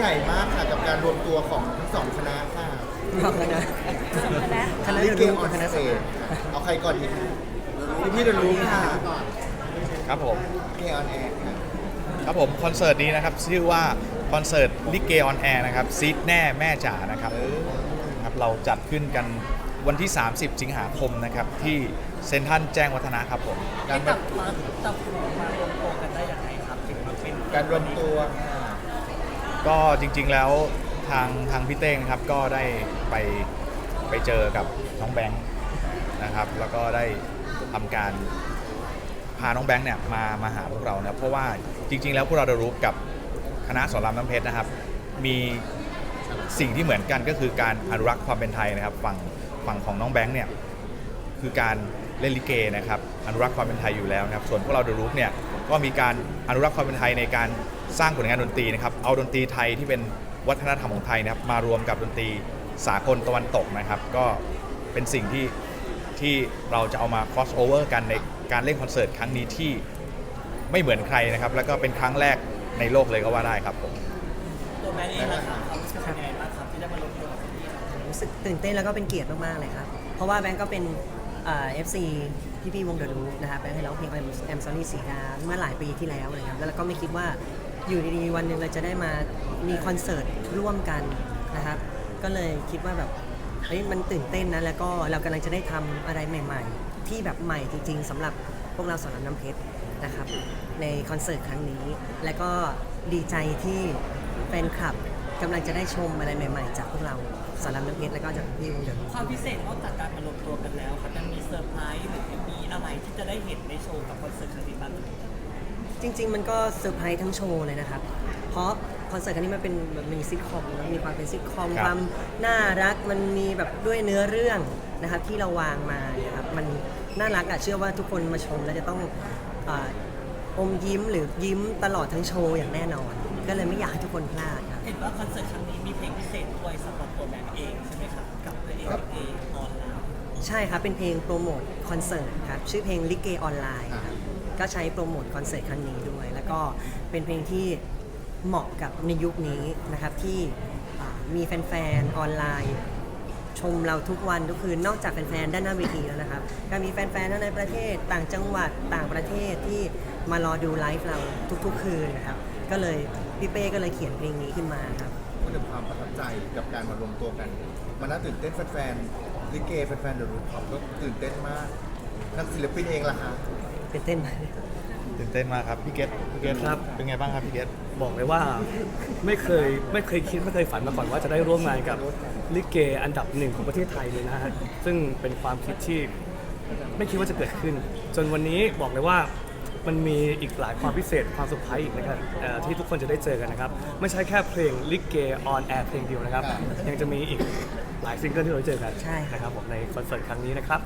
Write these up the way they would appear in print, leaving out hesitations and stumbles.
ญ่มากค่ะกับการรวมตัวของทั้งสองคณะค่ะขอบคุณนะคณะลิเดียวเกกันออนคณะสเตจเอาใครก่อนดีคะพี่เดรู้ค่ะครับผมลิเกออนแอร์ค่ะครับผมคอนเสิร์ตนี้นะครับชื่อว่าคอนเสิร์ตลิเกออนแอร์นะครับซีดแน่แม่จ๋านะครับครับเราจัดขึ้นกันวันที่ 30 สิงหาคมนะครับที่เซ็นทรัลแจ้งวัฒนะครับผมการจับมารวมตัวกันได้ยังไงครับถึงมาเป็นการรวมตัวค่ะก็จริงๆแล้วทางพี่เต้งนะครับก็ได้ไปเจอกับน้องแบงค์นะครับแล้วก็ได้ทำการพาน้องแบงค์เนี่ยมาหาพวกเรานะเพราะว่าจริงๆแล้วพวกเราได้รู้กับคณะสอนรามน้ำเพชรนะครับมีสิ่งที่เหมือนกันก็คือการอนุรักษ์ความเป็นไทยนะครับฝั่งของน้องแบงค์เนี่ยคือการเล่นลิเกนะครับอนุรักษ์ความเป็นไทยอยู่แล้วนะครับส่วนพวกเราเดอะรูปเนี่ยก็มีการอนุรักษ์ความเป็นไทยในการสร้างผลงานดนตรีนะครับเอาดนตรีไทยที่เป็นวัฒนธรรมของไทยนะครับมารวมกับดนตรีสากลตะวันตกนะครับก็เป็นสิ่งที่เราจะเอามา cross over กันในการเล่นคอนเสิร์ตครั้งนี้ที่ไม่เหมือนใครนะครับแล้วก็เป็นครั้งแรกในโลกเลยก็ว่าได้ครับผมตัวแบงค์เองนะครับความรู้สึกเป็นยังไงบ้างครับที่ได้มารวมตัวกับพี่ๆรู้สึกตื่นเต้นแล้วก็เป็นเกียรติมากๆเลยครับเพราะว่าแบงก์ก็เป็นFC พี่ๆวงเดอะรูปนะครับแบงค์ให้ร้องเพลง I'm Sorry สีดาเมื่อหลายปีที่แล้วเลยครับแล้วก็ไม่คิดว่าอยู่ดีๆวันหนึ่งเราจะได้มามีคอนเสิร์ตร่วมกันนะครับก็เลยคิดว่าแบบเฮ้ยมันตื่นเต้นนะแล้วก็เรากำลังจะได้ทำอะไรใหม่ๆที่แบบใหม่จริงๆสำหรับพวกเราสอนรามน้ำเพชรนะครับในคอนเสิร์ตครั้งนี้และก็ดีใจที่แฟนคลับกำลังจะได้ชมอะไรใหม่ๆจากพวกเราสอนรามน้ำเพชรแล้วก็จากพี่วงเดอะรูปความพิเศษนอกจากการมารวมตัวกันแล้วครับยังมีเซอร์ไพรส์หรือมีอะไรที่จะได้เห็นในโชว์กับคอนเสิร์ตครั้งนี้บ้างไหมจริงๆมันก็เซอร์ไพรส์ทั้งโชว์เลยนะครับ เพราะคอนเสิร์ตครั้งนี้มันเป็นแบบมีซิทคอมนะมีความเป็นซิทคอมครับความน่ารักมันมีแบบด้วยเนื้อเรื่องนะครับที่เราวางมาเนี่ยครับมันน่ารักอะเชื่อว่าทุกคนมาชมแล้วจะต้องอมยิ้มหรือยิ้มตลอดทั้งโชว์อย่างแน่นอน ก็เลยไม่อยากให้ทุกคนพลาดครับเห็นว่าคอนเสิร์ตครั้งนี้มีเพลงพิเศษด้วยสำหรับตัวแบงค์เองใช่ไหมครับกับพระเอกลิเกออนไลน์ใช่ครับ เป็นเพลงโปรโมทคอนเสิร์ตครับชื่อเพลงลิเกออนไลน์ครับก็ใช้โปรโมทคอนเสิร์ตครั้งนี้ด้วย แล้วก็เป็นเพลงที่เหมาะกับในยุคนี้นะครับที่มีแฟนๆออนไลน์ชมเราทุกวันทุกคืนนอกจากแฟนๆด้านหน้าเวทีแล้วนะครับก็มีแฟนๆทั้งในประเทศต่างจังหวัดต่างประเทศที่มารอดูไลฟ์เราทุกๆคืนนะครับก็เลยพี่เป้ก็เลยเขียนเพลงนี้ขึ้นมาครับพูดถึงความประทับใจกับการมารวมตัวกันมันน่าตื่นเต้นแฟนๆลิเกแฟนๆเดอะรูปเขาก็ตื่นเต้นมากนักศิลปินเองล่ะคะเป็นเต้นไหมตื่นเต้นมากครับพี่เกตครับเป็นไงบ้างครับพี่เกตบอกเลยว่าไม่เคยคิดไม่เคยฝันมาก่อนว่าจะได้ร่วมงานกับลิเกอันดับหนึ่งของประเทศไทยเลยนะฮะซึ่งเป็นความคิดที่ไม่คิดว่าจะเกิดขึ้น จนวันนี้บอกเลยว่ามันมีอีกหลายความพิเศษความเซอร์ไพรส์อีกนะครับที่ทุกคนจะได้เจอกันนะครับไม่ใช่แค่เพลงลิเกออนแอร์เพลงเดียวนะครับยังจะมีอีกหลายซิงเกิลที่เราได้เจอกันใช่ครับนะครับผมในคอนเสิร์ตครั้งนี้นะครับ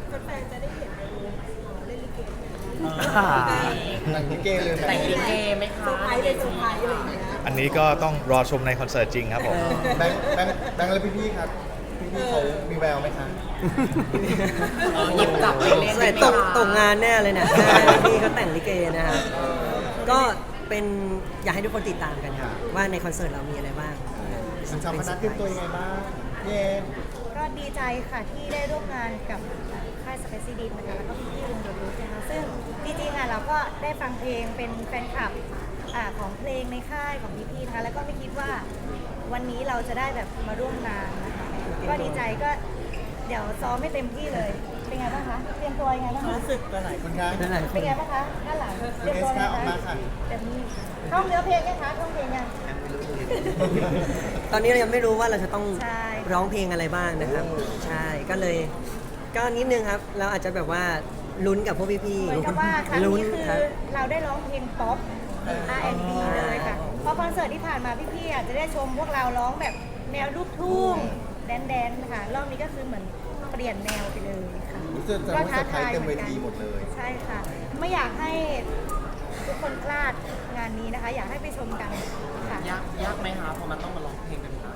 หนังลิเกเลยไหมแต่งลิเกไหมคะอันนี้ก็ต้องรอชมในคอนเสิร์ตจริงครับผมแบงค์และพี่ๆครับพี่ๆเขามีแววไหมคะหยิบจับไปเล่นใส่ตกงานแน่เลยเนี่ยพี่เขาแต่งลิเกนะครับก็เป็นอยากให้ทุกคนติดตามกันครับว่าในคอนเสิร์ตเรามีอะไรบ้างสัญชาติพนักเตรียมตัวยังไงบ้างเย้ก็ดีใจค่ะที่ได้ร่วมงานกับค่ายสเปซซีดีนะคะแล้วก็พี่ๆวงเดอะรูทนะคะซึ่งจริงๆเราก็ได้ฟังเพลงเป็นแฟนคลับของเพลงในค่ายของพี่ๆนะคะแล้วก็ไม่คิดว่าวันนี้เราจะได้แบบมาร่วมงานนะคะก็ดีใจก็เดี๋ยวซ้อมไม่เต็มที่เลยเป็นไงบ้างคะเตรียมตัวยังไงบ้างคะรู้สึกหลายคุณคะนั่นแหละเป็นไงบ้างคะด้านหลังเตรียมตัวยังไงออกมาค่ะเต็มที่ท่องเนื้อเพลงยังคะท่องเพลงยังตอนนี้เรายังไม่รู้ว่าเราจะต้องใช่ร้องเพลงอะไรบ้างนะครับ ใช่ก็เลยก็นิดนึงครับเราอาจจะแบบว่าลุ้นกับพวกพี่เหมือนกับว่าครั้งลุ้นนี้คือครับเราได้ร้องเพลงป๊อป R&B เลยค่ะ เพราะคอนเสิร์ตที่ผ่านมาพี่ๆอาจจะได้ชมพวกเราร้องแบบแนวลูกทุ่งแดนๆค่ะรอบนี้ก็คือเหมือนเปลี่ยนแนวไปเลยค่ะรู้สึกว่าเซอร์ไพรส์เต็มเวทีหมดเลยใช่ค่ะ ไม่อยากให้ทุกคนพลาดงานนี้นะคะ อยากให้ไปชมกันค่ะยากไหมคะเพราะมันต้องมาร้องเพลงกันค่ะ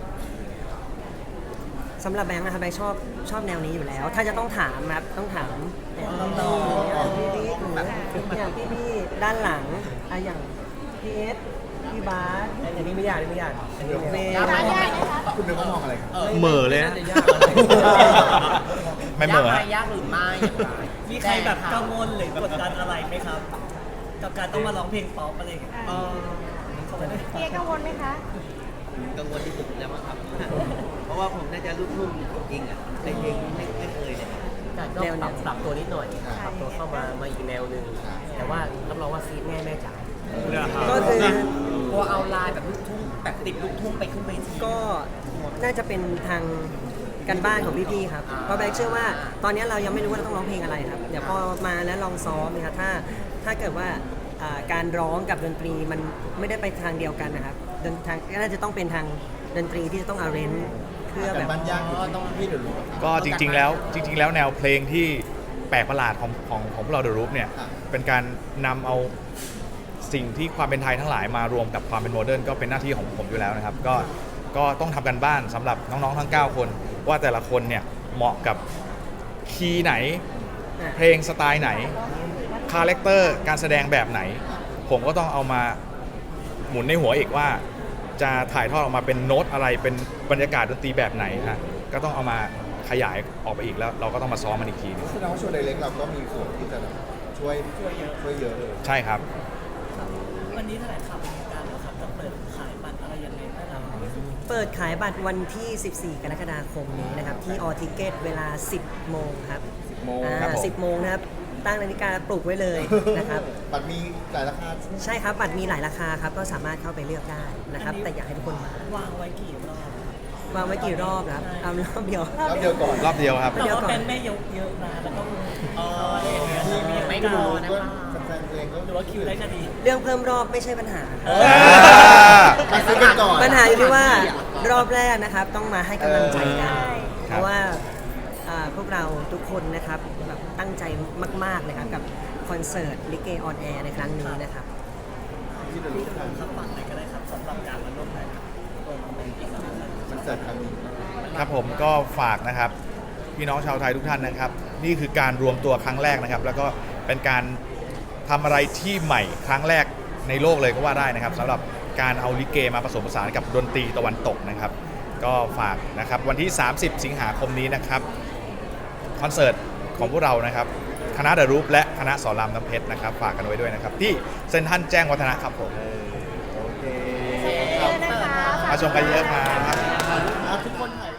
สำหรับแบงค์นะครับแบงค์ชอบแนวนี้อยู่แล้ว ถ้าจะต้องถามนะครับต้องถามพี่ๆหรืออย่างพี่ๆด้านหลังอย่างพีเอสพี่บาสอันนี้ไม่ยากอันนี้ไม่ยากอันนี้เมย์ร้านยากไหมคะคุณนึกว่ามองอะไรครับเหม่อเลยนะน่าจะยากอะไรไม่เหม่อฮะยากหรือไม่อย่างไรมีใครแบบกังวลหรือกดดันอะไรไหมครับ กับการต้องมาร้องเพลงป๊อปอะไรอย่างเงี้ยเกียร์กังวลไหมคะกังวลที่สุดแล้วมั้งครับ เพราะว่าผมน่าจะลูกทุ่งจริงอ่ะในเพลงไม่เคยเลยแต่ก็ปรับตัวนิดหน่อย ปรับตัวเข้ามาอีกแนวหนึ่งแต่ว่ารับรองว่าซีดแม่จ๋าก็คือกลัวเอาลายแบบลูกทุ่งแบบติดลูกทุ่งไปขึ้นเวทีก็น่าจะเป็นทางกันบ้านของพี่ๆครับเพราะแบงค์เชื่อว่าตอนนี้เรายังไม่รู้ว่าเราต้องร้องเพลงอะไรครับเดี๋ยวพอมาแล้วลองซ้อมนะครับถ้าเกิดว่าการร้องกับดนตรีมันไม่ได้ไปทางเดียวกันนะครับทางน่าจะต้องเป็นทางดนตรีที่จะต้องอาเรนเพื่อแต่แบบบ้านยากอยู่ที่พี่เดี๋ยวรู้ก็จริงๆแล้วแนวเพลงที่แปลกประหลาดของพวกเราเดอะรูปเนี่ยอ่ะเป็นการนำเอาสิ่งที่ความเป็นไทยทั้งหลายมารวมกับความเป็นโมเดิร์นก็เป็นหน้าที่ของผมอยู่แล้วนะครับก็ต้องทำกันบ้านสำหรับน้องๆทั้ง 9 คนว่าแต่ละคนเนี่ยเหมาะกับคีย์ไหน เพลงสไตล์ไหนคาแรคเตอร์การแสดงแบบไหน ผมก็ต้องเอามาหมุนในหัวอีกว่า จะถ่ายทอดออกมาเป็นโน้ตอะไรเป็นบรรยากาศดนตรีแบบไหนฮะก็ต้องเอามาขยายออกไปอีกแล้ว เราก็ต้องมาซ้อมมันอีกทีหนึงแสดงว่าช่วยไดเล็กเราก็มีส่วนที่จะแบบช่วยเยอะเลยใช่ครับวันนี้แถลงข่าวเป็นทางการแล้วครับจะเปิดขายบัตรอะไรยังไงบ้างครับเปิดขายบัตรวันที่ 14 กรกฎาคมนี้นะครับที่ออทิเกตเวลา 10 โมงครับ 10 โมงครับผม 10 โมงนะครับตั้งนาฬิกาปลุกไว้เลยนะครับบัตรมีหลายราคาใช่ครับบัตรมีหลายราคาครับก็สามารถเข้าไปเลือกได้นะครับแต่อยากให้ทุกคนมาวางไว้กี่รอบวางไว้กี่รอบครับเอารอบเดียวแล้วเดียวก่อนรอบเดียวครับแต่ว่าเป็นแม่ยกเยอะนะแล้วก็อะไรอย่างเงี้ยมีไม่ไม่พพออนะก็แฟนๆเพลงก็หรือว่าคิวได้ก็ดีเรื่องเพิ่มรอบไม่ใช่ปัญหาครับมาซื้อกันก่อนปัญหาอยู่ที่ว่ารอบแรกนะครับต้องมาให้กำลังใจกันใช่เพราะว่าพวกเราทุกคนนะครับแบบตั้งใจมากๆเลยครับกับคอนเสิร์ตลิเกออนแอร์ในครั้งนี้นะครับที่เดอะรูปครับฝากไหนก็ได้ครับสำหรับการมาร่วมงานกับตัวน้องเป็นอีกครั้งหนึ่งมันเสร็จครั้งนี้ครับผมก็ฝากนะครับพี่น้องชาวไทยทุกท่านนะครับ นี่คือการรวมตัวครั้งแรกนะครับ แล้วก็เป็นการทำอะไรที่ใหม่ครั้งแรกในโลกเลยก็ว่าได้นะครับสำหรับการเอาลิเกมาผสมผสานกับดนตรีตะวันตกนะครับ ก็ฝากนะครับวันที่ 30 สิงหาคมนี้นะครับคอนเสิร์ตของพวกเรานะครับคณะเดอะรูปและคณะสอนรามน้ำเพชรนะครับฝากกันไว้ด้วยนะครับที่เซ็นทรัลแจ้งวัฒนะครับผมโอเคเยอะนะคะมาชมกันเยอะครับทุกคนถ่าย